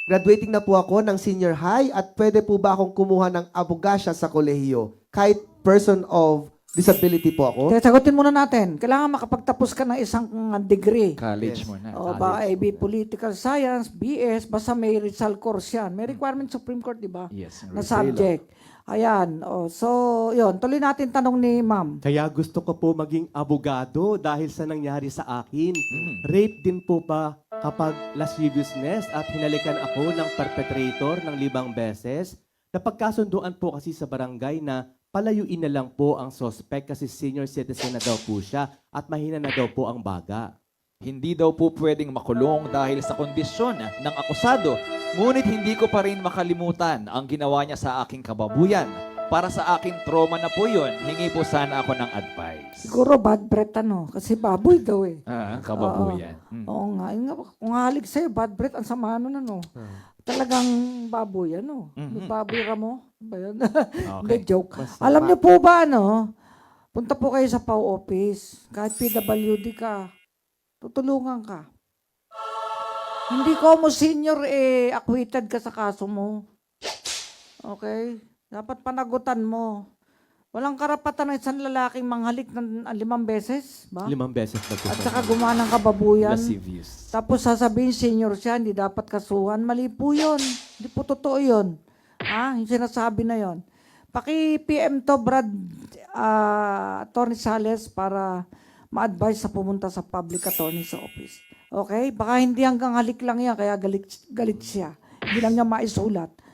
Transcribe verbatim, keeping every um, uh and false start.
Graduating na po ako ng senior high at pwede po ba akong kumuha ng abogasya sa kolehiyo? Kahit person of disability po ako? Kaya sagutin muna natin. Kailangan makapagtapos ka ng isang uh, degree. College Yes. mo na. O ba A B Political Science, B S, basta may Rizal course yan. May requirement Supreme Court, di ba? Yes. Na subject. Ayan. O, so, yun. Tuloy natin tanong ni ma'am. Kaya gusto ko po maging abogado dahil sa nangyari sa akin. Rape din po ba kapag lasciviousness at hinalikan ako ng perpetrator ng limang beses? Napagkasunduan po kasi sa barangay na palayuin na lang po ang suspect kasi senior citizen na daw po siya at mahina na daw po ang baga. Hindi daw po pwedeng makulong dahil sa kondisyon ng akusado. Ngunit hindi ko pa rin makalimutan ang ginawa niya sa aking kababuyan. Para sa aking trauma na po yun, hingi po sana ako ng advice. Siguro bad breath ano. Kasi baboy daw eh. Ah, kababuyan. Mm. Oo nga. Yun nga, kung halig sa'yo, bad breath, ang sama nun ano. Talagang baboy ano. Mhm. Baboy ramo. Ba yun? Okay. Hindi, joke. Alam niyo po ba ano, punta po kayo sa P A O office. Kahit P W D ka, tutulungan ka. Hindi ko mo senior eh, acquitted ka sa kaso mo. Okay? Dapat panagutan mo. Walang karapatan ng isang lalaking manghalik ng limang beses, ba? Limang beses At nagkukuha. saka gumawa ng kababuyan. Lascivious. Tapos sasabihin senior siya, hindi dapat kasuhan. Mali po yun. Hindi po totoo yun. Ha? Yung sinasabi na yun. Paki-P M to, Brad, uh, Attorney Sales, para ma-advise sa pumunta sa public attorney's office. Okay? Baka hindi hanggang halik lang yan, kaya galit, galit siya. Hindi lang niya maisulat.